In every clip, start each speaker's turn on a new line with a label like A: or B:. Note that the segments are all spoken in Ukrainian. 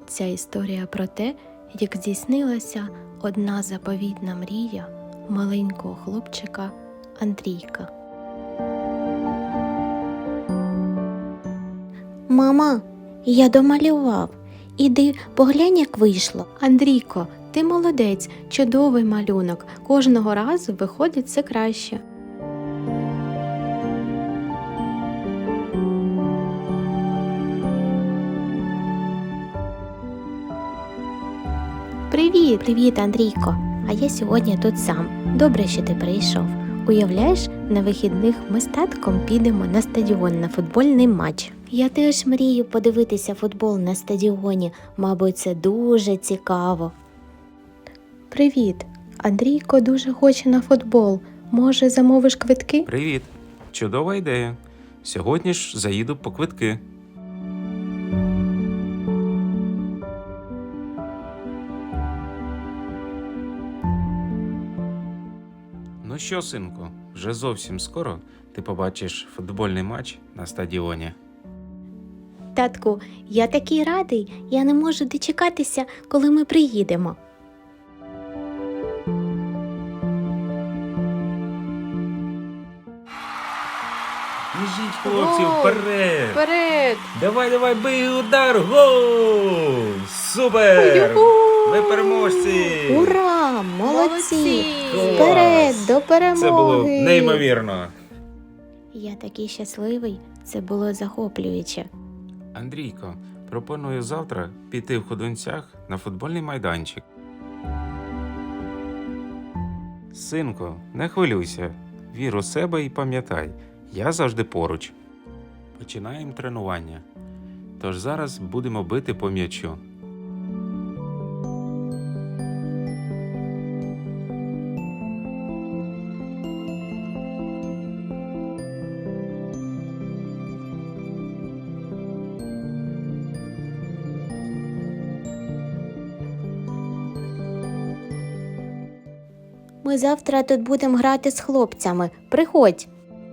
A: Ця історія про те, як здійснилася одна заповітна мрія маленького хлопчика Андрійка.
B: Мама, я домалював. Іди поглянь, як вийшло.
A: Андрійко, ти молодець, чудовий малюнок. Кожного разу виходить все краще.
B: Привіт, Андрійко. А я сьогодні тут сам. Добре, що ти прийшов. Уявляєш, на вихідних ми з татком підемо на стадіон на футбольний матч. Я теж мрію подивитися футбол на стадіоні. Мабуть, це дуже цікаво.
A: Привіт, Андрійко дуже хоче на футбол. Може, замовиш квитки?
C: Привіт! Чудова ідея. Сьогодні ж заїду по квитки. Ну що, синку, вже зовсім скоро ти побачиш футбольний матч на стадіоні.
B: Татку, я такий радий. Я не можу дочекатися, коли ми приїдемо.
C: Біжіть, хлопці, вперед!
A: Вперед!
C: Давай, бий удар! Гол! Супер! Ви переможці!
B: Ура! Молодці!
C: Клас!
B: Вперед, до перемоги!
C: Це було неймовірно!
B: Я такий щасливий. Це було захоплююче.
C: Андрійко, пропоную завтра піти в ходунцях на футбольний майданчик. Синку, не хвилюйся. Вір у себе і пам'ятай, я завжди поруч. Починаємо тренування. Тож зараз будемо бити по м'ячу.
B: Ми завтра тут будемо грати з хлопцями. Приходь.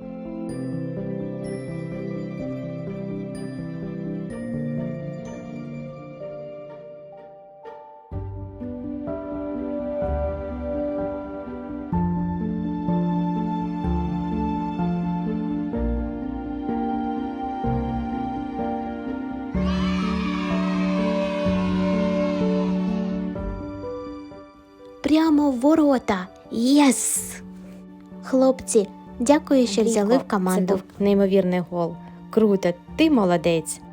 B: Прямо в ворота. Єс! Хлопці, дякую, що взяли в команду.
A: Це був неймовірний гол. Круто, ти молодець.